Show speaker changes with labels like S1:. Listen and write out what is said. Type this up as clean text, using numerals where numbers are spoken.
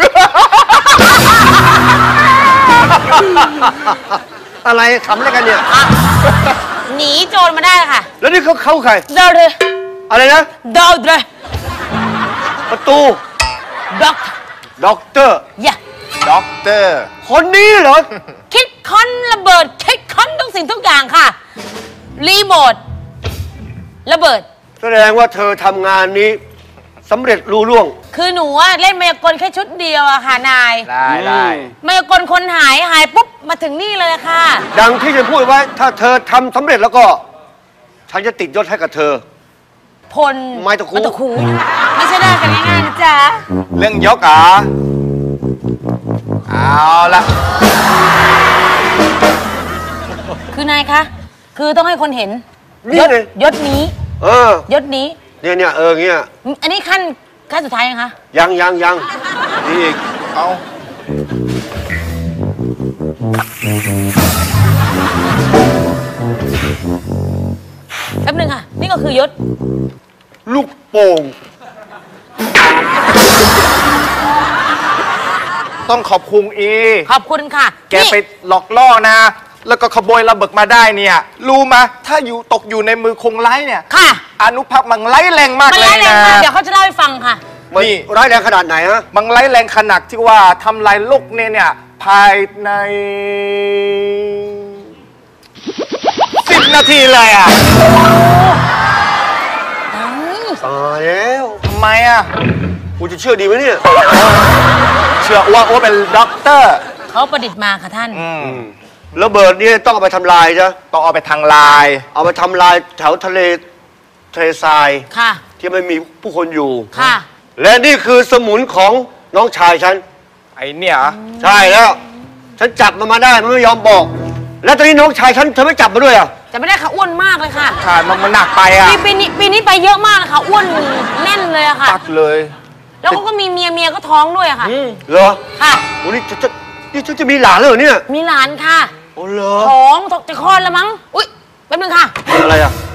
S1: อะไรขำอะไรกันเนี่ย
S2: หนีโจรมาได้ค่ะ
S1: แล้วนี่เขาใคร
S2: เดาเลย
S1: อะไรนะ
S2: เดาเลย
S1: ประตู ด็อกเตอร์
S3: ด็อกเตอร์
S1: คนนี้เหรอ
S2: คิดค้นระเบิดคิดค้นทุกสิ่งทุกอย่างค่ะรีโมทระเบิด
S1: แสดงว่าเธอทำงานนี้สำเร็จลุล่วง
S2: คือหนูเล่นมายากลแค่ชุดเดียวอะค่ะนาย
S3: ได้
S2: มายากลคนหายปุ๊บมาถึงนี่เลยค่ะ
S1: ดังที่ฉันพูดไว้ถ้าเธอทำสำเร็จแล้วก็ฉันจะติดยศให้กับเธอ
S2: พล
S1: ไม้ตะคู
S2: ไม่ใช่ได้กันง่ายๆนะจ๊ะ
S3: เรื่องยกเอาละ
S2: คือนายคะคือต้องให้คนเห็นยศนี้ยศนี้
S1: เนี่ยเงี้ย
S2: อันนี้ขั้นสุดท้ายยังคะ
S1: ยังนี่อีก
S3: เอา
S2: แป๊บนึงค่ะนี่ก็คือยศ
S1: ลูกโป่ง
S3: ต้องขอบคุณ
S2: ขอบคุณค่ะ
S3: แกไปหลอกล่อนะแล้วก็ขโมยระเบิดมาได้เนี่ยรู้ไหมถ้าตกอยู่ในมือคงไร้เนี่ย
S2: ค่ะ
S3: อนุภาคมันไร้แรงมากเลยนะ
S2: เดี๋ยวเขาจะเล่าให้ฟังค่ะ
S1: นี่ไร้แรงขนาดไหนฮะ
S3: มันไร้แรงขนาดที่ว่าทำลายโลกเนี่ยภายใน10 นาทีเลยอ่ะ
S1: ตายแล้ว
S3: ทำไมอ่ะ
S1: กูจะเชื่อดีไหมเนี่ย
S3: เชื่อว่าเป็นด็อกเตอร์
S2: เขาประดิษฐ์มาค่ะท่าน
S1: ระเบิดนี่ต้องเอาไปทำลายจ้ะ
S3: ต้องเอาไปทางลาย
S1: เอาไปทำลายแถวทะเลทราย
S2: ค่ะ
S1: ที่ไม่มีผู้คนอยู่
S2: ค่ะ
S1: และนี่คือสมุนของน้องชายฉัน
S3: ไอเนี่ย
S1: ใช่แล้วฉันจับมันมาได้มันไม่ยอมบอกแล้วตอนนี้น้องชายฉันเธอไม่จับมาด้วยอ่ะ
S2: จะไม่ได้ค่ะอ้วนมากเลยค่ะ
S3: ค่ะมันหนักไปอ่ะ
S2: ปีนี้ไปเยอะมากค่ะอ้วนแน่นเลยอะค่ะ
S3: ตัดเลย
S2: แล้วก็มีเมียก็ท้องด้วยอะค่ะ
S1: เหรอ
S2: ค่ะ
S1: โอ้นี่จะมีหลานเลยเหรอเนี่ย
S2: มีหลานค่ะ
S1: โอ้เหรอ
S2: ท้องจะคลอดแล้วมั้งอุ๊ยแป๊บนึงค่ะ
S1: อะไรอ่ะ